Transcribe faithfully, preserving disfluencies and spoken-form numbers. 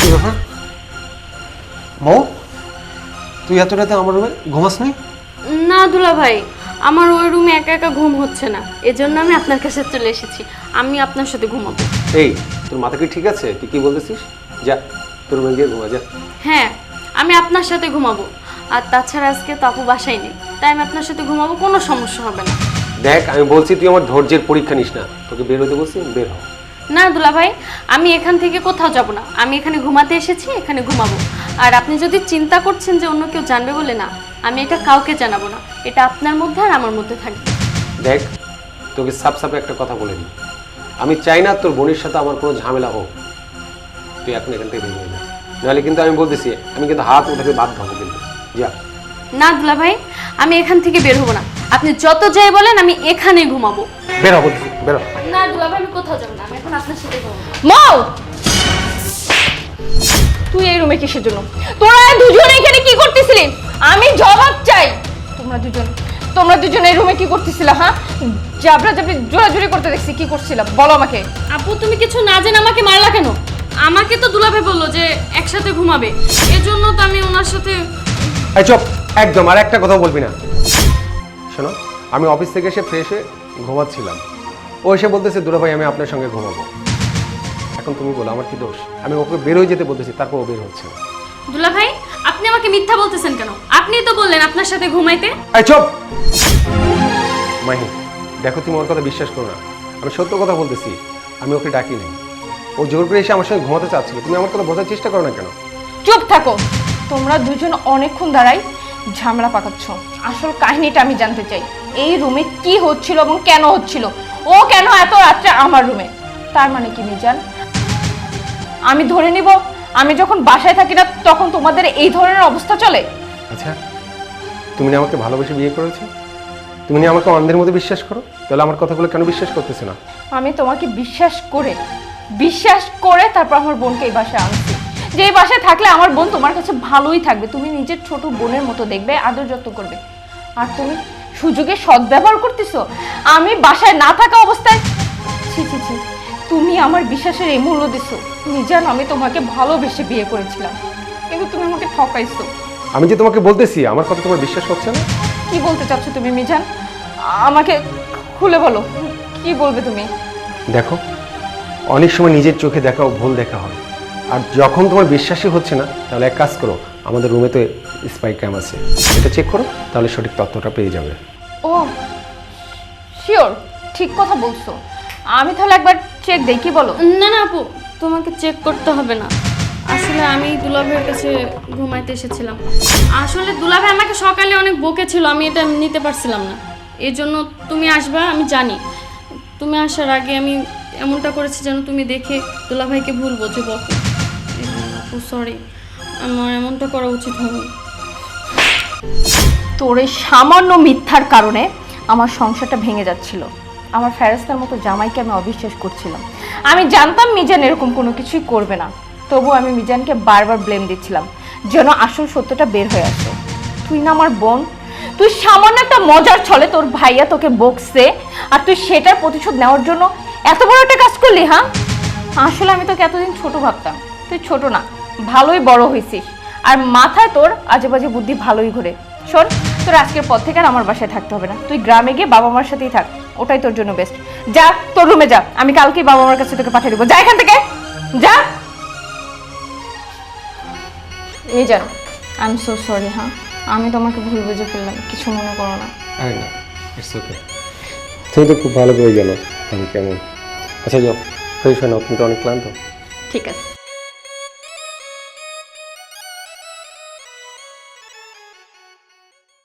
ব্যাপার মৌ, তুই এত রাতে আমার রুমে ঘুমাস নি? না দুলা ভাই, আমার ওই রুমে একা একা ঘুম হচ্ছে না, এজন্য আমি আপনার কাছে চলে এসেছি। আমি আপনার সাথে ঘুমাবো। এই, তোর মাথা কি ঠিক আছে? তুই কি বলতেছিস? যা তোর রুমে গিয়ে ঘুমা যা। হ্যাঁ, আমি আপনার সাথে ঘুমাবো। আর তাছাড়া আজকে তো আপু বাসায় নেই, তাই আমি আপনার সাথে ঘুমাবো, কোনো সমস্যা হবে না। দেখ, আমি বলছি তুই আমার ধৈর্যের পরীক্ষা নিস না। তোকে বের হতে বলছি, বের হ। না দুলা ভাই, আমি এখান থেকে কোথাও যাব না, আমি এখানে ঘুমাতে এসেছি, এখানে ঘুমাবো। আর আপনি যদি চিন্তা করছেন যে অন্য কেউ জানবে বলে, না, আমি এটা কাউকে জানাবো না, এটা আপনার মধ্যে আর আমার মধ্যে থাকবে। দেখ, তোকে সাপ সাপে একটা কথা বলে দিই, আমি চাই না তোর বোনের সাথে আমার কোনো ঝামেলা হোক। তুই এখন এখান থেকে বের হয়ে যা, নাহলে কিন্তু আমি বলতেছি আমি কিন্তু হাত উঠাতে বাধ্য হবো। কিন্তু যা। না দুলা ভাই, আমি এখান থেকে বের হবো না, আপনি যত যাই বলেন, আমি এখানেই ঘুমাবো। বের হবো, বের হ। না দুলা ভাই, আমি কোথাও যাবো না, আমি এখন আপনার সাথে ঘুমাবো। মৌ, তুই এই রুমে কিসের জন্য? তোরা দুজন এখানে কি করতেছিলি? আমি জবাব চাই। তোমরা দুজন তোমরা দুজন এই রুমে কি করতেছিলা? হ্যাঁ, জাবরা জাবরি জোরাজুরি করতে দেখছি, কি করছিলা বলো আমাকে। আপু, তুমি কিছু না জেনে আমাকে মারলা কেন? আমাকে তো দুলা ভাই বললো যে একসাথে ঘুমাবে, এজন্য তো আমি ওনার সাথে। এই চুপ, একদম আর একটা কথা বলবি না। শোনো, আমি অফিস থেকে এসে ফ্রেশ হয়ে ঘুমাচ্ছিলাম, ও এসে বলতেছে দুলা ভাই আমি আপনার সঙ্গে ঘুমাবো। এখন তুমি বলো আমার কি দোষ? আমি ওকে বের হয়ে যেতে বলতেছি, তারপর ও বের হচ্ছে না। দুলা ভাই, আপনি আমাকে মিথ্যা বলতেছেন কেন? আপনিই তো বললেন আপনার সাথে ঘুমাইতে। এই চুপ মাহি, দেখো তুমি ওর কথা বিশ্বাস করো না, আমি সত্য কথা বলতেছি। আমি ওকে ডাকি নাই, ও জোর করে এসে আমার সঙ্গে ঘুমাতে চাচ্ছিল। তুমি আমার কথা বোঝার চেষ্টা করো না কেন? চুপ থাকো। তোমরা দুজন অনেকক্ষণ দাঁড়াই ঝামেলা পাকাচ্ছ। আসল কাহিনীটা আমি জানতে চাই, এই রুমে কি হচ্ছিল এবং কেন হচ্ছিল? ও কেন এত রাত্রে আমার রুমে? তার মানে কি মিজান, আমি ধরে নিব আমি যখন বাসায় থাকি না তখন তোমাদের এই ধরনের অবস্থা চলে? আচ্ছা, তুমি না আমাকে ভালোবেসে বিয়ে করেছো? তুমি না আমাকে অন্ধের মধ্যে বিশ্বাস করো? তাহলে আমার কথাগুলো কেন বিশ্বাস করতেছে না? আমি তোমাকে বিশ্বাস করে বিশ্বাস করে তারপর আমার বোনকে এই বাসায় আনছি, যে এই বাসায় থাকলে আমার বোন তোমার কাছে ভালোই থাকবে, তুমি নিজের ছোট বোনের মতো দেখবে, আদর যত্ন করবে। আর তুমি সুযোগে সদ্ব্যবহার করতেছো। আমি বাসায় না থাকা অবস্থায় ছি ছি ছি তুমি আমার বিশ্বাসের এই মূল্য দিছো। মিজান, আমি তোমাকে ভালোবেসে বিয়ে করেছিলাম, কিন্তু তুমি আমাকে ঠকাইছো। আমি যে তোমাকে বলতেছি আমার কথা তোমার বিশ্বাস হচ্ছে না। কি বলতে চাচ্ছ তুমি মিজান? আমাকে খুলে বলো, কি বলবে তুমি? দেখো, অনেক সময় নিজের চোখে দেখা ও ভুল দেখা হয়, আর যখন তোমার বিশ্বাসই হচ্ছে না তাহলে এক কাজ করো, আমাদের রুমে তো স্পাই ক্যাম আছে, এটা চেক করো, তাহলে সঠিক তথ্যটা পেয়ে যাবে। ও শিওর, ঠিক কথা বলছো। আমি তাহলে একবার চেক দেই, কি বলো? না না আপু, তোমাকে চেক করতে হবে না। আসলে আমি দুলা ভাইয়ের কাছে ঘুমাইতে এসেছিলাম। আসলে দুলা ভাই আমাকে সকালে অনেক বকেছিল, আমি এটা নিতে পারছিলাম না, এই জন্য তুমি আসবা আমি জানি। তুমি আসার আগে আমি এমনটা করেছি যেন তুমি দেখে দুলা ভাইকে ভুল বোঝো, বকো। আপু সরি, আমার এমনটা করা উচিত হবে। তোর এই সামান্য মিথ্যার কারণে আমার সংসারটা ভেঙে যাচ্ছিল। আমার ফেরেস্তার মতো জামাইকে আমি অবিশ্বাস করছিলাম। আমি জানতাম মিজান এরকম কোনো কিছুই করবে না, তবু আমি মিজানকে বারবার ব্লেম দিচ্ছিলাম যেন আসল সত্যটা বের হয়ে আসে। তুই না আমার বোন, তুই সামান্য একটা মজার ছলে তোর ভাইয়া তোকে বকছে, আর তুই সেটার প্রতিশোধ নেওয়ার জন্য এত বড় একটা কাজ করলি। হ্যাঁ, আসলে আমি তোকে এতদিন ছোট ভাবতাম, তুই ছোট না, ভালোই বড় হয়েছিস, আর মাথায় তোর আজে বাজে বুদ্ধি ভালোই ঘুরে। শোন, তোর আজকের পর থেকে আর আমার বাসায় থাকতে হবে না, তুই গ্রামে গিয়ে বাবা মার সাথেই থাক, ওটাই তোর জন্য বেস্ট। যা তোর রুমে যা, আমি কালকেই বাবা মার কাছে তোকে পাঠিয়ে দেবো। যা এখান থেকে, যা। এই যা, আই এম সো সরি। হ্যাঁ, আমি তোমাকে ভুল বুঝে ফেললাম, কিছু মনে করো না। আরে না, ইটস ওকে। তুমি তো খুব ভালো করে জানো আমি কেমন। আচ্ছা যাও, ফ্রেশ হয়ে নাও, তুমি তো অনেক ক্লান্ত। ঠিক আছে।